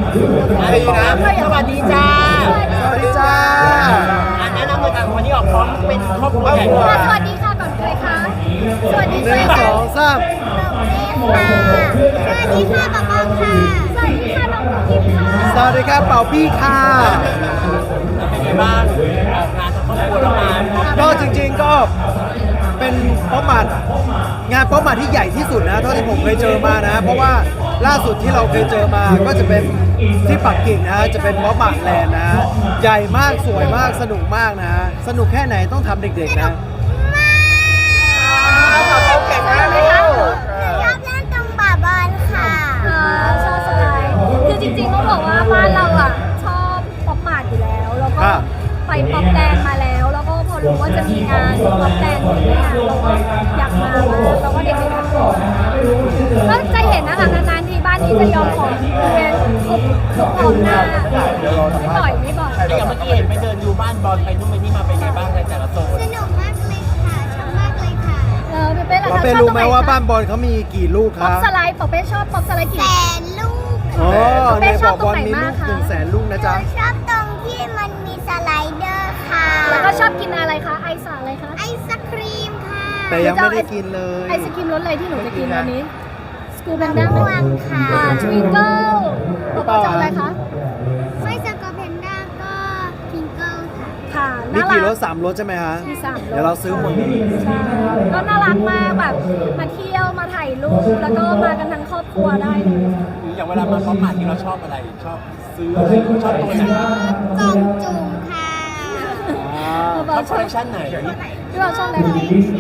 ดีนะสวัสดีจ้าสวัสดีจ้าแนะนำเลยค่ะวันนี้ออกพร้อมเป็นครอบครัวใหญ่สวัสดีค่ะก่อนใครคะสวัสดีหนึ่งค่ะสองสามสวัสดีค่ะป๊าป๊าค่ะสวัสดีค่ะน้องกิ๊ฟค่ะสวัสดีครับเป่าปี้ค่ะเป็นไงบ้างออกงานทั้งครอบครัวแล้วมาก็จริงๆก็เป็นป๊อปมาร์ทงานป๊อปมาร์ทที่ใหญ่ที่สุดนะเท่าที่ผมเคยเจอมานะ เพราะว่าล่าสุดที่เราเคยเจอมาก็จะเป็นที่ปักกิ่งนะจะเป็นป๊อปมาร์ทแลนด์นะใหญ่มากสวยมากสนุกมากนะ สนุกแค่ไหนต้องทำเด็กๆนะเก่งมากเลยค่ะชอบเล่นตรงป่าบอลค่ะชอบสบายคือจริงๆต้องบอกว่าบ้านเราอ่ะชอบป๊อปมาร์ทอยู่แล้วแล้วก็ไปป๊อปแดนมาแล้วแล้วก็พอรู้ว่าจะมีงานป๊อปแดนที่นี่เราก็อยากมามากแล้วก็เด็กๆทุกคนก็จะเห็นนะคะนานๆทีบ้านนี้จะยอมของเรียนครบพร้อมหน้าไม่บ่อยอย่างเมื่อกี้เห็นไปเดินดูบ้านบอลไปนู่นไปนี่มาเป็นไงบ้างในแต่ละโซนสนุกมากเลยค่ะชอบมากเลยค่ะพี่เป้ล่ะเราคะไปชอบรู้ตรงไหไหมนว่าบ้านบอลเขามีกี่ลูกคป๊อรัปบสไลด์ป๊อปเป้ชอบป๊อปสไลด์กี่แสนลูกอ๋อเป้ในชบออบ กตรบงอลไหนมีมาลูกกคะ 100,000 ลูกนะจ๊ะชอบตรงที่มันมีสไลเดอร์ค่ะแล้วก็ชอบกินอะไรคะไอซ์อะไรคะไอศครีมค่ะแต่ยังไม่ได้กินเลยไอศครีมรสอะไรที่หนูจะกินวันนี้สกูแพนด้าม่วงค่ะทวิงเกิลป๊อปจะอะไรคะไม่สกูแพนด้าก็ทวิงเกิลค่ะค่ะมีน่ารักี่รกถ3 รถใช่ไหมฮะมี3 เดี๋ยวเราซื้อหมดเลยใช่ก็น่ารักมากแบบมาเที่ยวมาถ่ายรูปแล้วก็มากันทั้งครอบครัวได้เลยอย่างเวลามาพร้อมผ่านที่เราชอบอะไรชอบซื้ออะไรชอบตัวไหนกล่องจุ่มค่ะชอบคอลเลคชันไหนพี่บอลชอบอะไรคะ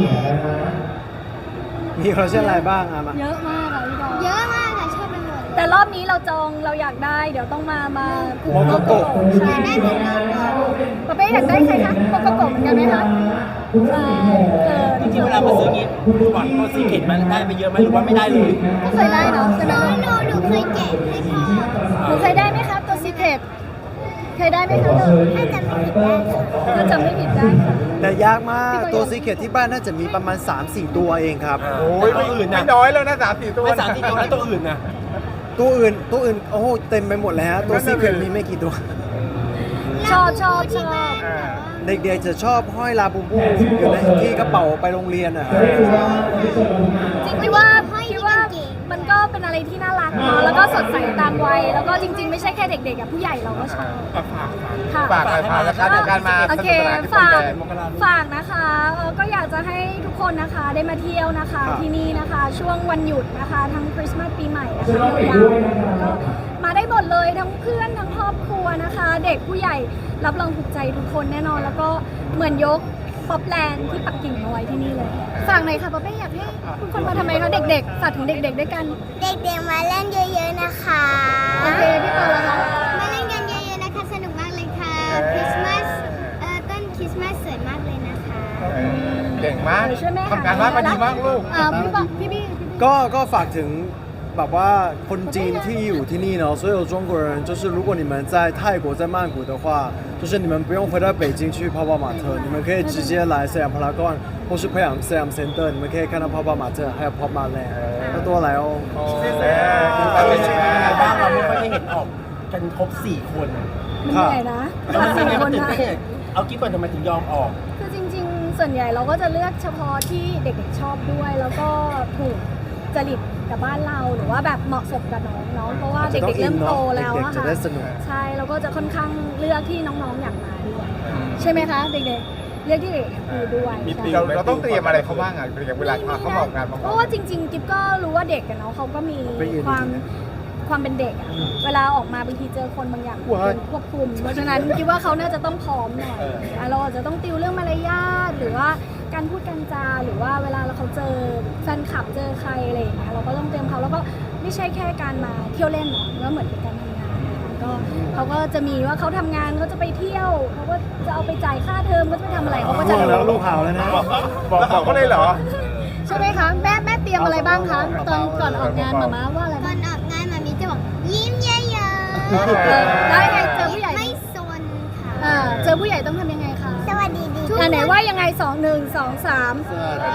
มีคอลเลคชันอะไรบ้างอ่ะมาเยอะมากค่ะพี่บอลเยอะมากค่ะชอบไปหมดแต่รอบนี้เราจองเราอยากได้เดี๋ยวต้องมาผูกโกโก้ใช่ได้เหมือนกันปะเป้อยากได้ใครคะโกโก้เหมือนกันไหมคะใช่จริงๆเวลามาซื้องี้ก่อนตัวซีเกตมันได้ไปเยอะไหมหรือว่าไม่ได้เลยก็เคยได้เนาะใช่ไหมหนูเคยแกะให้พ่อหนูเคยได้ไหมคะตัวซีเคทเคยได้ไหมคะถ้าจำไม่ผิดได้ค่ะแต่ยากมากตัวซีเคทที่บ้านน่าจะมีประมาณ 3-4 ตัวเองครับโอ้ยตัวอื่นนะไม่น้อยแล้วนะ3-4 ตัวไม่3-4ตัวแล้วตัวอื่นนะตัวอื่นโอ้โหเต็มไปหมดเลยฮะตัวซีเคทมีไม่กี่ตัวชอบเด็กๆจะชอบห้อยลาบูบูอยู่ในที่กระเป๋าไปโรงเรียนอ่ะจริงๆว่ามันก็เป็นอะไรที่น่ารักเนาะแล้วก็สดใสตามวัยแล้วก็จริง ๆ ไม่ใช่แค่เด็กๆกับผู้ใหญ่เราก็ชอบค่ะฝากหน่อยค่ะในการมาโอเคสนุกสนานที่พรมแดนฝากนะคะก็อยากจะให้ทุกคนนะคะได้มาเที่ยวนะคะที่นี่นะคะช่วงวันหยุดนะคะทั้งคริสต์มาสปีใหม่นะคะยาวๆก็มาได้หมดเลยทั้งเพื่อนทั้งครอบครัวนะคะ เด็กผู้ใหญ่รับรองถูกใจทุกคนแน่นอนแล้วก็เหมือนยกป๊อปแลนด์ที่ปักกิ่งมาไว้ที่นี่เลยฝากหน่อยค่ะป๊อปเป้อยากให้ทุกคนมาทำไมคะเด็กๆฝากถึงเด็กๆด้วยกันเด็กๆมาเล่นเยอะๆนะคะโอเคพี่ปอแล้วคะมาเล่นกันเยอะๆนะคะสนุกมากเลยค่ะคริสต์มาสต้นคริสต์มาสสวยมากเลยนะคะเก่งมากช่วยแม่ทำการบ้านมาดีมากลูกพี่บอกพี่บี้ก็ฝากถึงแบบว่าคนจีนที่อยู่ที่นี่เนาะ所有中国人就是如果你们在泰国在曼谷的话就是你们不用回到北京去泡泡玛特你们可以直接来สยามพารากอน或是培养สยาม Center 你们可以看到泡泡玛特还有泡泡land要多来哦เป็นยังไงบ้างเราไม่ค่อยได้เห็นออกกันครบ4 คนมันเหนื่อยนะแล้วมันเป็นไงคมันนตื่นนะเต้นเอากิ๊บก่อนทำไมถึงยอมออกคือจริงๆ ส่วนใหญ่เราก็จะเลือกเฉพาะที่เด็กๆชอบด้วย แล้วก็ถูกจริตกับบ้านเราหรือว่าแบบเหมาะสมกับน้องๆเพราะว่าเด็กๆเริ่มโตแล้วอะจะค่ะได้สนุกใช่เราก็จะค่อนข้างเลือกที่น้องๆอยากมาด้วยใช่ไหมคะเด็กๆเลือกที่เด็กอยากดูด้วยใช่เราต้องเตรียมอะไรเขาบ้างอ่ะอย่างเวลาเขามาออกงานมาเพราะว่าจริงๆกิ๊บก็รู้ว่าเด็กกันเนาะเขาก็มีความเป็นเด็กอะเวลาออกมาบางทีเจอคนบางอย่างควบคุมเพราะฉะนั้นคิดว่าเขาน่าจะต้องพร้อมหน่อยเราอาจจะต้องติวเรื่องมารยาทหรือว่าการพูดการจาหรือว่าเวลาเขาเจอแฟนคลับเจอใครอะไรอย่างเงี้ยเราก็ต้องเตรียมเขาแล้วก็ไม่ใช่แค่การมาเที่ยวเล่นหรอกก็เหมือนเป็นการทำงานนะคะก็เขาก็จะมีว่าเขาทำงานเขาจะไปเที่ยวเขาก็จะเอาไปจ่ายค่าเทอมเขาจะไปทำอะไรเขาก็จะแล้วลูกหาวแล้วนะบอกเขาเลยเหรอใช่ไหมคะแม่เตรียมอะไรบ้างคะตอนก่อนออกงานมาม่าว่าอะไรก่อนออกงานมามีจะบอกยิ้มเยอะๆแล้วยังไงเจอผู้ใหญ่ไม่ซนค่ะเจอผู้ใหญ่ต้องทำยังไงคะสวัสดีไหนว่ายังไง2 1 2 3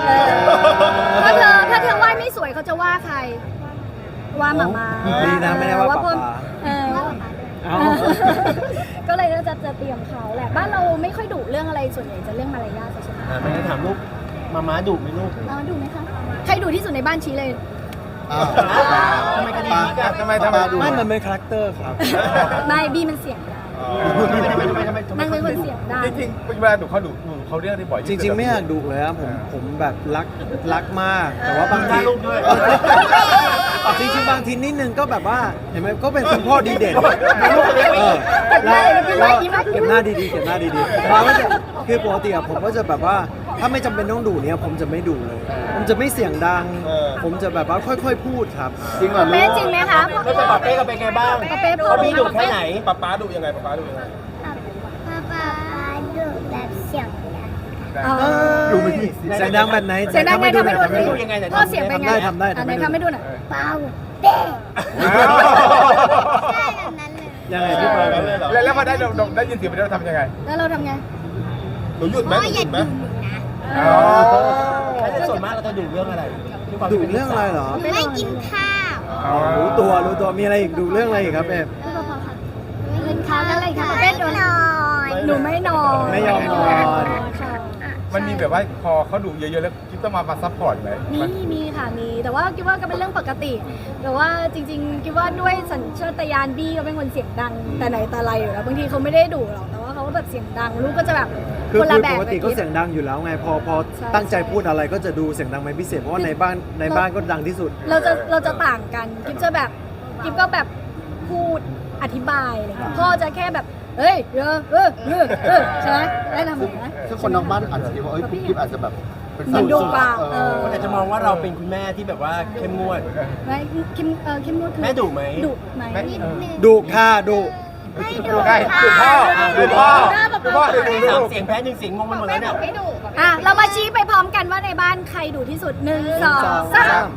ถ้าเธอไหว้ไม่สวยเขาจะว่าใครว่าหมาม่าดีนะไม่ได้ว่าป๊าป๊าเส่วนใหญ่จะเรื่องมารยาทใช่ไหมไม่ได้ถามลูกมาม้าดุไหมลูกเราดูไหมคะใครดูที่สุดในบ้านชี้เลยทำไมคดีนี้กันทำไมไม่มันเป็นคาแรคเตอร์ครับไม่บีมันเสียงดังนางเป็นคนเสียงดังจริงๆเวลาดูเขาดูเขาเรียกได้บ่อยจริง ๆ ไม่อยากดุเลยครับผมแบบรักมาก แต่ว่าบางทีลูกด้วยจริงๆบางทีนิดนึงก็แบบว่าเห็นไหมก็เป็นคุณพ่อดีเด่นเก็บหน้าดีๆเก็บหน้าดีๆเราก็จะคือปกติอะผมก็จะแบบว่าถ้าไม่จำเป็นต้องดุเนี่ยผมจะไม่ดุเลย ผมจะไม่เสียงดัง ผมจะแบบว่าค่อยๆพูดครับจริงเหรอเป๊ะจริงไหมคะแล้วจะปาเป้กันเป็นไงบ้างปาเป้พูดเขามีดุแค่ไหนป๊าดุยังไงป๊าดุยังไงป๊าดูแบบเสียงดังดุไม่ดีเสียงดังแบบไหนเสียงดังไงทำให้ดูทำให้ดูยังไงไหนพ่อเสียงเป็นไงทำได้ไหนทำให้ดูหน่อยเป้าเป้ ใช่แบบนั้นเลยยังไงพี่ปอยแล้วพอได้ยินเสียงไปแล้วทำยังไงแล้วเราทำไงหนูหยุดไหมพ่ออย่าดูหนูนะถ้าส่วนมากเราจะดุเรื่องอะไรดุเรื่องอะไรเหรอไม่กินข้าวรู้ตัวมีอะไรอีกดุเรื่องอะไรอีกครับเอฟพี่พอค่ะไม่กินข้าวอะไรคะป๊าเป้โดนนอนหนูไม่นอนไม่ยอมนอนค่ะมันมีแบบว่าพอเขาดุเยอะๆแล้วคิดต้องมาซัพพอร์ตไหมมีค่ะมีแต่ว่าคิดว่าก็เป็นเรื่องปกติ แต่ว่าจริงๆคิดว่าด้วยสัญชาตญาณบี้เขาเป็นคนเสียงดังแต่ไหนแต่ไรอยู่แล้วบางทีเขาไม่ได้ดุหรอกแต่ว่าเขาก็แบบเสียงดังลูกก็จะแบบคือคนละแบบปกติก็เสียงดังอยู่แล้วไงพอใช่ตั้งใจพูดอะไรก็จะดูเสียงดังเป็นพิเศษเพราะว่าในบ้านก็ดังที่สุดเราจะต่างกันกิฟจะแบบกิฟก็แบบพูดอธิบายอะไรเงี้ยพ่อจะแค่แบบเฮ้ยใช่ไหมได้ทำไหมซึ่งคนนอกบ้านอาจจะคิดว่าพี่กิ๊ฟอาจจะแบบเป็นมันดุกว่าคนอาจจะมองว่าเราเป็นคุณแม่ที่แบบว่าเข้มงวดไม่คิมนวดคือแม่ดุไหมดุไหมนิดนึงดุค่ะดุไม่ดูได้ดูพ่อดูพ่อดูพ่อดูสามลูกเสียงแพ้หนึ่งเสียงงงไปหมดแล้วเนี่ยอ่ะเรามาชี้ไปพร้อมกันว่าในบ้านใครดุที่สุด1 2 3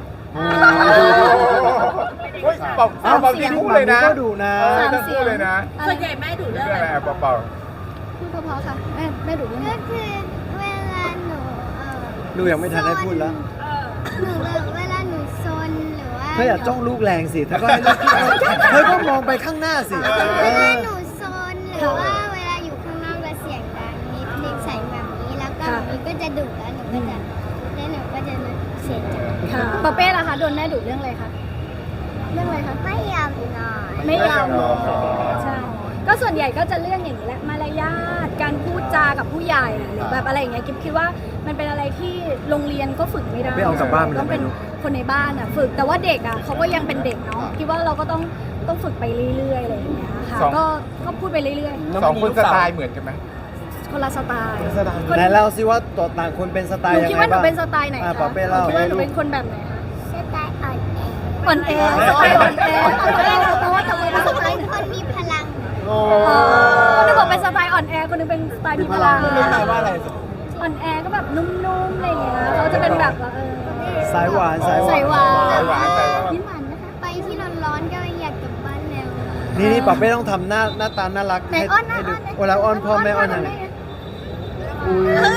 เฮ้ยเป่าดีคู่เลยนะก็ดุนะทั้งคู่เลยนะส่วนใหญ่แม่ดุเรื่องเรื่องอะไรอะไรเป่าพูดเพราะๆค่ะแม่ดุเรื่องก็อะไรคือเวลาหนูดูยังไม่ทันได้พูดแล้วหนูแบบเวลาหนูซนหรือว่าเธออย่าจ้องลูกแรงสิเธอก็ให้ลูกเธอก็มองไปข้างหน้าสิเวลาหนูซนหรือว่าเวลาอยู่ข้างนอกแล้วเสียงดังนิดนึงใส่แบบนี้แล้วก็แบบนี้ก็จะดุแล้วหนูก็จะเสียใจค่ะปาเป้ล่ะคะโดนแม่ดุเรื่องอะไรคะเรื่องอะไรคะไม่ยอมนอนไม่ยอมนอนใช่ก็ส่วนใหญ่ก็จะเรื่องอย่างนี้แหละมารยาทการพูดจากับผู้ใหญ่หรือแบบอะไรอย่างเงี้ยกิ๊บคิดว่ามันเป็นอะไรที่โรงเรียนก็ฝึกไม่ได้ไม่เอากลับบ้านไปเลยต้องเป็นคนในบ้านอ่ะฝึกแต่ว่าเด็กอ่ะเขาก็ยังเป็นเด็กเนาะคิดว่าเราก็ต้องฝึกไปเรื่อยๆอะไรอย่างเงี้ยค่ะก็พูดไปเรื่อยสองคนสไตล์เหมือนกันไหมๆคนละสไตล์ไหนเล่าสิว่าตัวต่างคนเป็นสไตหล์นูยังคิดไงว่าหนูบ้างเป็นสไตล์ไหนคะปาเป้เล่าคิดว่าหนูเป็นคนแบบไหนคะสไตล์อ่อนแออ่อนแอสไตล์อ่อนแอเพราะว่าทำไมเป็นสไตล์เป็นคนมีพลังคนหนึงบอกเป็นสไตล์อ่อนแอคนหนึงเป็นสไตล์มีพลังไม่แปลว่าอะไรอ่อนแอก็แบบนุ่มๆอะไรอย่างเงี้ยเขาจะเป็นแบบว่าสายหวานสายหวาใส่นหวานสายหวานสายหวานยิ้มหวานนะคะไปที่ร้อนๆก็อยากกลับบ้านแล้วนี่ปาเป้ต้องทำหน้าตาน่ารักไหนอ้อนนะให้ดูอ้อนนะเวลาอ้อนพ่อแม่อ้อนยังไงอุ้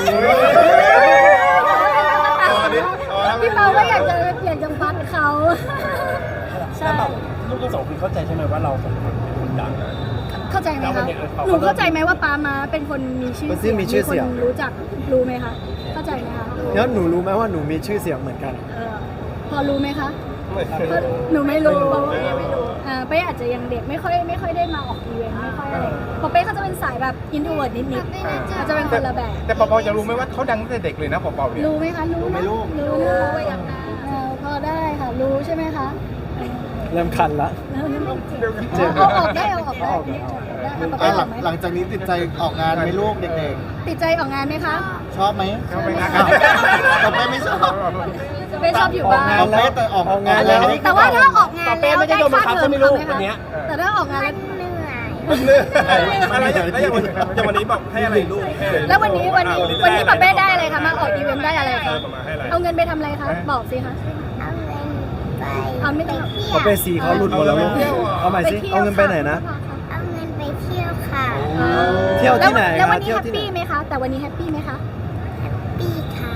ยพี่เปาก็อยากจะฟัดเขาใช่ลูกทั้งสองคนเข้าใจใช่ไหมว่าเราสองคนเป็นคนดังเข้าใจไหมคะหนูเข้าใจไหมว่าปามาเป็นคนมีชื่อเสียงมีชื่อเสียงคนรู้จักรู้ไหมคะเข้าใจไหมคะแล้วหนูรู้ไหมว่าหนูมีชื่อเสียงเหมือนกันพอรู้ไหมคะหนูไม่รู้เป้อาจจะยังเด็กไม่ค่อยได้มาออกอีเวนต์ไม่ค่อยอะไรพอเป้เขาจะเป็นสายแบบอินโทรเวิร์ดนิดๆเขาจะเป็นคนละแบบแต่เป่าจะรู้ไหมว่าเขาดังตั้งแต่เด็กเลยนะเป่าเนี่ยรู้ไหมคะรู้ไหมรู้ว่าอย่างนั้นพอได้ค่ะรู้ใช่ไหมคะเริ่มคันละเอาออกได้เอาออกได้ปาเป้ออกไหมหลังจากนี้ติดใจออกงานไหมลูกเด็กติดใจออกงานไหมคะๆ ชอบไหมเขาไม่นักแต่ไม่ชอบเป้ชอบอยู่บ้านออกงานแล้วแต่ออกงานแล้วแต่ว่าถ้าออกงานปาเป้แล้วไม่ได้โดนบังคับใช่ไหมลูกวันเนี้ยแต่ถ้าออกงานแล้วเหนื่อยอะไรอย่างวันนี้บอกให้อะไรลูกแล้ววันนี้ปาเป้ได้อะไรคะมาออกอีเวนต์ได้อะไรคะเอาเงินไปทำอะไรคะบอกสิคะเอาเงินไปเอาไม่ต้องเที่ยวปาเป้สีเขาหลุดหมดแล้วลูกเอาใหม่สิเอาเงินไปไหนนะเอาเงินไปเที่ยวค่ะเที่ยวที่ไหนแล้ววันเที่นี้ยวแฮปที่ไหนปี้ไหมคะแต่วันนี้แฮปปี้ไหมคะปีค่ะ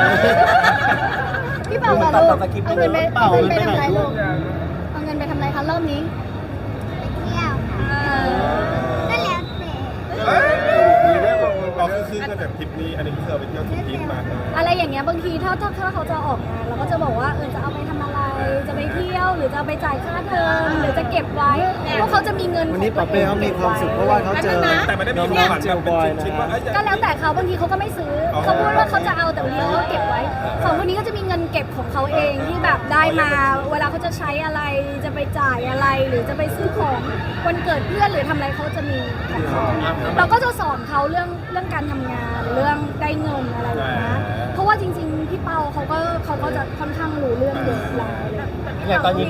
พี่เปาค่ะลูกเอาเงินไปทำอะไรลูกเอาเงินไปทำอะไรคะรอบนี้ไปเที่ยวค่ะก็แล้วแต่บอกคือก็แบบทริปนี้อันนี้คือเราไปเที่ยวทริปมาอะไรอย่างเงี้ยบางทีถ้าเขาจะออกงานเราก็จะบอกว่าจะเอาไปทำอะไรจะไปเที่ยวหรือจะเอาไปจ่ายค่าเทอมหรือจะเก็บไว้เพราะเขาจะมีเงินวันนี้ปาเป้เขามีความสุขเพราะว่าเขาเจอแต่มันได้มีน้องๆเจลบอยนะก็แล้วแต่เขาบางทีเขาก็ไม่ซื้อเขาพูดว่าเขาจะเอาแต่บางทีเขาก็เก็บไว้สองคนนี้ก็จะมีเงินเก็บของเขาเองที่แบบได้มาเวลาเขาจะใช้อะไรจะไปจ่ายอะไรหรือจะไปซื้อของวันเกิดเพื่อนหรือทำอะไรเขาจะมีของเขาเราก็จะสอนเขาเรื่องการทำงานเรื่องได้เงินอะไรอย่างเงี้ยเพราะว่าจริงๆพี่เปาเขาก็จะค่อนข้างรู้เรื่องเยอะแล้วอะไรอย่างเงี้ยเนี่ยตอนนี้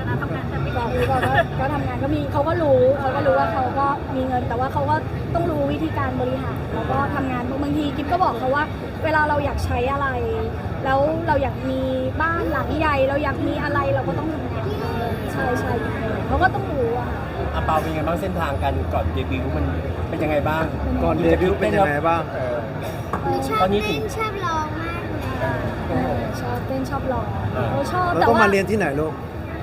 ก็ทำงานก็มีเขาก็รู้ว่าเขาก็มีเงินแต่ว่าเขาก็ต้องรู้วิธีการบริหารแล้วก็ทำงานบางทีกิ๊บก็บอกเขาว่าเวลาเราอยากใช้อะไร แล้วเราอยากมีบ้านหลังใหญ่เราอยากมีอะไรเราก็ต้องทำงานใช่เขาก็ต้องรู้อะค่ะอาเปาเป็นยังไงบ้างเส้นทางกันก่อนเดบิวต์มันเป็นยังไงบ้างก่อนเดบิวต์เป็นยังไงบ้างชอบเต้นชอบร้องมากเลยชอบเต้นชอบร้องเขาชอบเราแต่ต้องว่ามาเรียนที่ไหนลูก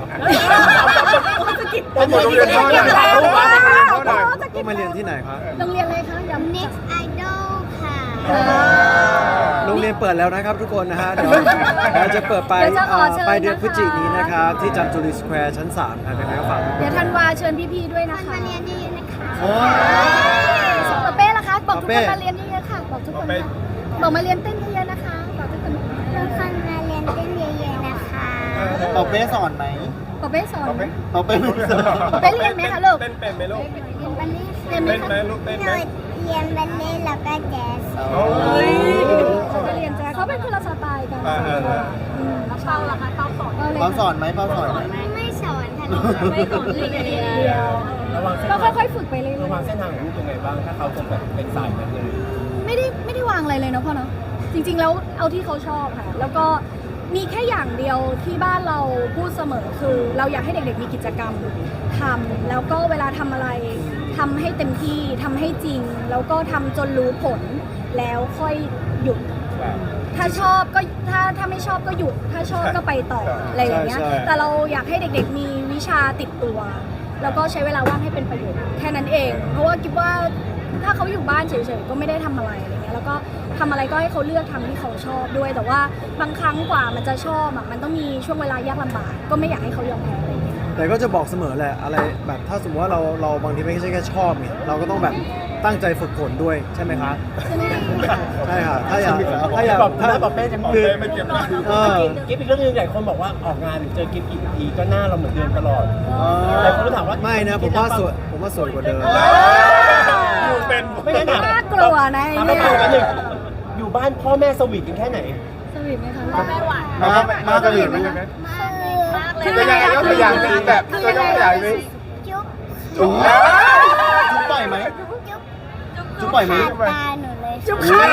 เป็นยังไงที่เป็นยังไงบ้างต้องมาเรียนที่ไหนครับโรงเรียนอะไรคะย้ำ Next Idol ค่ะโรงเรียนเปิดแล้วนะครับทุกคนนะฮะ เดี๋ยวเราจะเปิดไปเดี๋ยวจะขอเชิญไปเดือนนะคะพฤศจิกายนนี้นะครับ ที่จันจุรีสแควร์ชั้น3ครับยังไงก็ฝากเดี๋ยวธันวาเชิญพี่ๆด้วยนะมาคะเรียนเยอะๆนะคะส่งปาเป้ละคะบอกทุกคนมาเรียนเยอะๆค่ะบอกทุกคนค่ะบอกมาเรียนเต้นเยอะๆนะคะบอกทุกคนทุกคนมาเรียนเต้นเยอะๆนะคะปาเป้สอนไหมปาเป้สอนปาเป้ไม่สอนปาเป้เรียนไหมคะลูกเต้นเป็นไหมลูกเรียนบัลเล่ต์เรียนไหมเต้นคะไหมลูกเต้นหไหมนูเรียนบัลเล่ต์แล้วก็แจ๊สโอ้ยเขาก็เรียนแจ๊สเขาเป็นคนละสไตล์กันอ่าแล้วเปาล่ะคะเปาสอนเขาสอนไหมเขาสอนไหมไม่สอนค่ะหนูไม่สอนเรียนเดียวระวังเส้นก็ทางค่อยๆฝึกไปเรื่อยระวังเส้นทางของลูกยังไงบ้างถ้าเขาจะแบบเป็นสายนั้นเลยๆไม่ได้วางอะไรเลยเนาะพ่อเนาะจริงๆแล้วเอาที่เขาชอบค่ะแล้วก็มีแค่อย่างเดียวที่บ้านเราพูดเสมอคือเราอยากให้เด็กๆมีกิจกรรมทำแล้วก็เวลาทำอะไรทำให้เต็มที่ทำให้จริง แล้วก็ทำจนรู้ผลแล้วค่อยหยุด ถ้าชอบก็ถ้าไม่ชอบก็หยุด ถ้าชอบก็ไปต่ออะไรอย่างเงี้ยใช่แต่เราอยากให้เด็กๆมีวิชาติดตัว แล้วก็ใช้เวลาว่างให้เป็นประโยชน์แค่นั้นเอง เพราะว่าคิดว่าถ้าเขาอยู่บ้านเฉยๆก็ไม่ได้ทำอะไรอะไรเงี้ยแล้วก็ทำอะไรก็ให้เขาเลือกทำที่เขาชอบด้วย แต่ว่าบางครั้งกว่ามันจะชอบมันต้องมีช่วงเวลายากลำบากก็ไม่อยากให้เขายอมแพ้อะไรเงี้ยแต่ก็จะบอกเสมอแหละอะไรแบบถ้าสมมติว่าเราบางทีไม่ใช่แค่ชอบไงเราก็ต้องแบบตั้งใจฝึกฝนด้วยใช่ไหมคะใช่ไหมใช่ค่ะถ้าอยากถ้าปาเป้จะคือไม่เก็บนะเออกิ๊บอีกเรื่องนึงหลายคนบอกว่าออกงานหรือเจอกิ๊บกี่ทีก็หน้าเราเหมือนเดิมตลอดหลายคนก็ถามว่าไม่นะผมว่าสวยกว่าเดิมเป็นไม่ได้ถามน่ากลัวนะถามเนี่มาย กันหนึ่งอยู่บ้านพ่อแม่สวีทกันแค่ไหนสวีทไหมคะพ่อแม่หวานมากระดิ่งไหมคือตัวอย่างยกตัวอย่างสิแบบตัวยกตัวอย่างสิจุ๊บจุ๊บจุ๊บปล่อยไหม จุ๊บปล่อยไหมตาหนูเลยจุ๊บค่ะ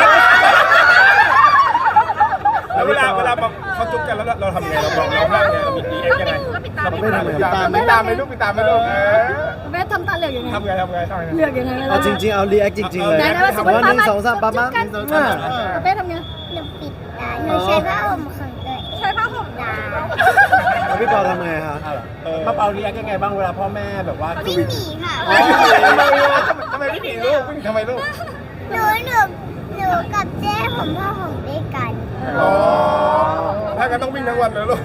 แล้วเวลาเขาจุ๊บกันแล้วเราทำไงเราบอกเราทำไงเรามีดีเอ็กยังไงเราไม่ทำไม่ตามไม่ลูกตามไม่ลูกแม่ทำตาเหลือกยังไงทำไงเหลือกยังไงเอาจริงๆเอารีแอคจริงๆเลยไหนๆว่าสมมติว่าหนึ่งสองสามปั๊บปั๊บเป้ทำไงหนูปิดตาหนูใช้ผ้าห่มของตัวเองใช้ผ้าห่มตาแล้วพี่ปอทำไงฮะมาเปาเรียกยังไงบ้างเวลาพ่อแม่แบบว่าวิ่งหนีค่ะทำไมไม่หนีลูกทำไมลูกหนูกับเจ้ผมผ้าห่มด้วยกันอ๋อถ้ากันต้องวิ่งทั้งวันเลยลูก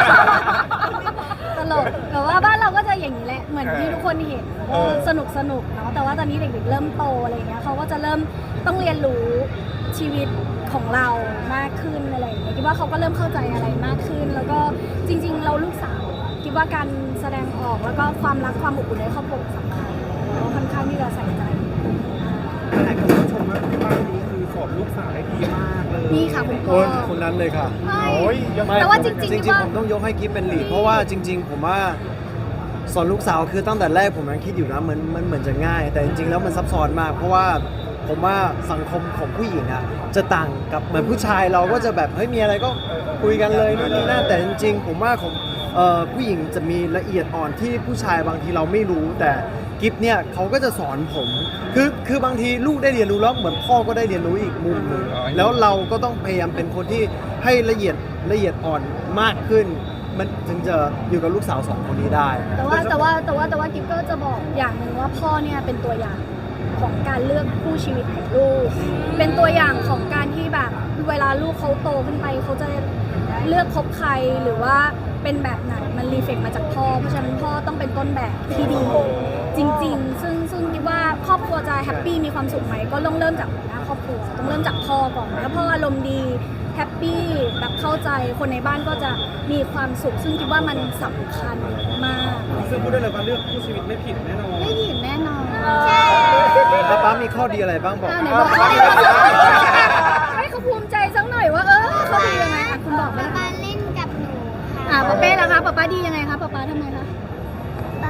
ตลกแต่ว่าบ้านเราก็จะอย่างนี้แหละเหมือนที่ทุกคนเห็นสนุกเนาะแต่ว่าตอนนี้เด็กๆเริ่มโตอะไรเงี้ยเขาก็จะเริ่มต้องเรียนรู้ชีวิตของเรามากขึ้นอะไรอย่างเงี้ยคิดว่าเขาก็เริ่มเข้าใจอะไรมากขึ้น แล้วก็จริงๆเราลูกสาวคิดว่าการแสดงออกแล้วก็ความรักความอบอุ่นในครอบครัวสำคัญเราค่อนข้างที่จะใส่ใจหลายคนชมว่าบ้านนี้คือสอนลูกสาวได้ดีมากเลยนี่ค่ะคุณพ่คอนคนนั้นเลยค่ะใช่โอ้ยยังไม่แต่ว่าจริงๆจคิริดงว่าๆผมต้องยกให้กิฟเป็นลีดเพราะว่าจริง ๆ ผมว่าสอนลูกสาวคือตั้งแต่แรกผมยังคิดอยู่นะมันเหมือนจะง่าย แต่จริงๆแล้วมันซับซ้อนมาก เพราะว่าผมว่าสังคมของผู้หญิงอ่ะจะต่างกับเหมือนผู้ชายเราก็จะแบบเฮ้ยมีอะไรก็คุยกันเลยนู่นนี่นั่นแต่จริงๆ ผมว่าของผู้หญิงจะมีละเอียดอ่อนที่ผู้ชายบางทีเราไม่รู้แต่กิฟเนี่ยเขาก็จะสอนผมคือบางทีลูกได้เรียนรู้แล้วเหมือนพ่อก็ได้เรียนรู้อีกมุมหนึงแล้วเราก็ต้องพยายามเป็นคนที่ให้ละเอียดอ่อนมากขึ้น มันถึงจะอยู่กับลูกสาวสองคนนี้ได้แต่ว่ากิฟก็จะบอกอย่างหนึ่งว่าพ่อเนี่ยเป็นตัวอย่างของการเลือกคู่ชีวิตของลูก เป็นตัวอย่างของการที่แบบเวลาลูกเขาโตขึ้นไปเขาจะเลือกคบใครหรือว่าเป็นแบบไหนมันรีเฟกมาจากพ่อเพราะฉะนั้นพ่อต้องเป็นต้นแบบที่ดีจริงๆ ซึ่งคิดว่าครอบครัวจะแฮปปี้มีความสุขไหมก็ต้องเริ่มจากหัวหน้าครอบครัวต้องเริ่มจากพ่อก่อนถ้าพ่ออารมณ์ดีแฮปปี้แบบเข้าใจคนในบ้านก็จะมีความสุข ซึ่งคิดว่ามันสำคัญมากซึ่งพูดได้เลยว่าเลือกคู่ชีวิตไม่ผิดแน่นอนไม่ผิดแน่นอนป้ามีข้อดีอะไรบ้างบอกไหนบอกเขาดีให้เขาภูมิใจสักหน่อยว่าเขาดียังไงคุณบอกไหมป๊าเล่นกับหนูค่ะป๊าเป้ล่ะคะป๊าดียังไงคะป๊าทำไมคะป๊า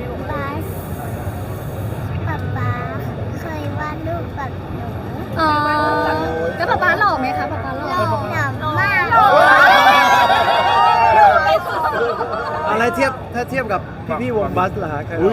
เคยวาดรูปกับหนูอ๋อแล้วป๊าหล่อไหมคะป๊าหล่อหล่อมากอะไรถ้าเทียบกับพี่วงบัสล่ะฮะใคร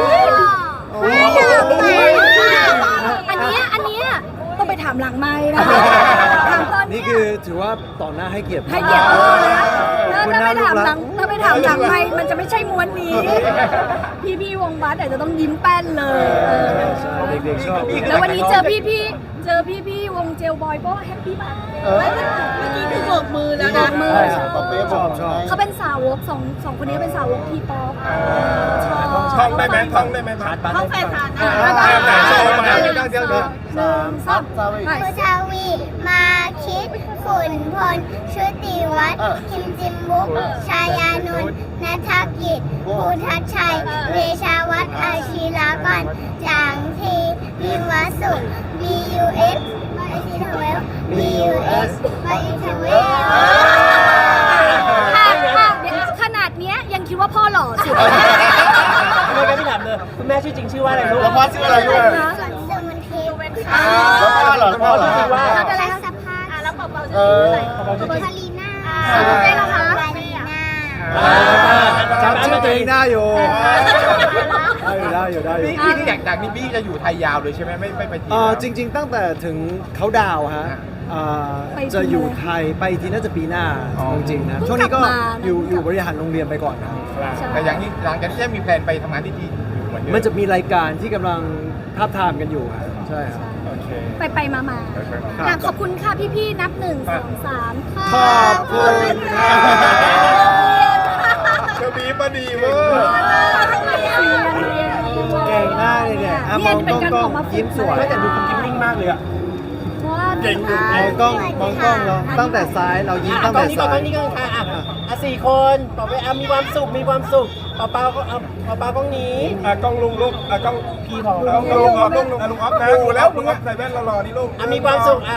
อันเนี้ยต้องไปถามหลังไม้นะคะถามตอนนี่คือถือว่าต่อหน้าให้เกียรติให้เกียรติพ่อนะคุณถ้าน่าไปลูถาก มรัหลักงไม้มันจะไม่ใช่ม้วนนี้ พี่วงบัสอาจจะต้องยิ้มแป้นเลยเด็กๆชอบแล้ววันนี้เจอพี่วงเจลบอยก็แฮปปี้มากเมื่อกี้คือโบกมือแล้วนะมือชอบเขาเป็นสาวกสองคนนี้เป็นสาวกทีป๊อปชอบท่องได้ไหมท่องได้ไหมมาห้องแฟนทานเดี๋ยว 1 2 ผู้ชาวีมาคิดขุนพลชุติวัฒน์คิมจิมบุกชายานนท์นัทกิจภูทัชชัยเดชาวัฒน์อาชีรากรจางทีวิมวสุข BUS บอินเทอร์เวล BUS บอินเทอร์เวลขนาดเนี้ยยังคิดว่าพ่อหล่อสุดไม่งั้นพี่ถามเลยคุณแม่ชื่อจริงชื่อว่าอะไรลูกแล้วพ่อชื่ออะไรด้วยส่วนสมุนเทพแล้วพ่อเหรอพ่อเหรอชื่อว่าแล้วอะไรสภาพแล้วเบาๆชื่ออะไรคารีน่าได้แล้วคะคารีน่าจำชื่อตัวเองได้อยู่ได้อยู่พี่ที่จากนี้พี่จะอยู่ไทยยาวเลยใช่ไหมไม่ไปทีจริง ๆ ตั้งแต่ถึงเขาดาวน์ฮะจะอยู่ไทยไปทีน่าจะปีหน้าจริงๆนะช่วงนี้ก็อยู่บริหารโรงเรียนไปก่อนนะแต่อย่างนี้หลังจากที่มีแพลนไปทำงานที่จีนอยู่เหมือนเดิมมันจะมีรายการที่กำลังทาบทามกันอยู่ฮะใช่ครับโอเคไปมาอยากขอบคุณค่ะพี่ๆนับ 1 2 3 ขอบคุณค่ะเธอบีบมาดีเวอร์เก่งมากเลยเนี่ยมองกล้องยิ้มสวยไม่แต่ดูคุณกิ๊บนิ่งมากเลยอะเก่งอยู่มองกล้องเราตั้งแต่ซ้ายเรายิ้มตั้งแต่ซ้ายนี่ก่อนค่ะสี่คนต่อไปมีความสุขเปาก็เปากล้องนี้กล้องลุงลูกกล้องพี่พอลุงออฟนะดูแล้วลุงออฟใส่แว่นรอๆนี่ลูกมีความสุข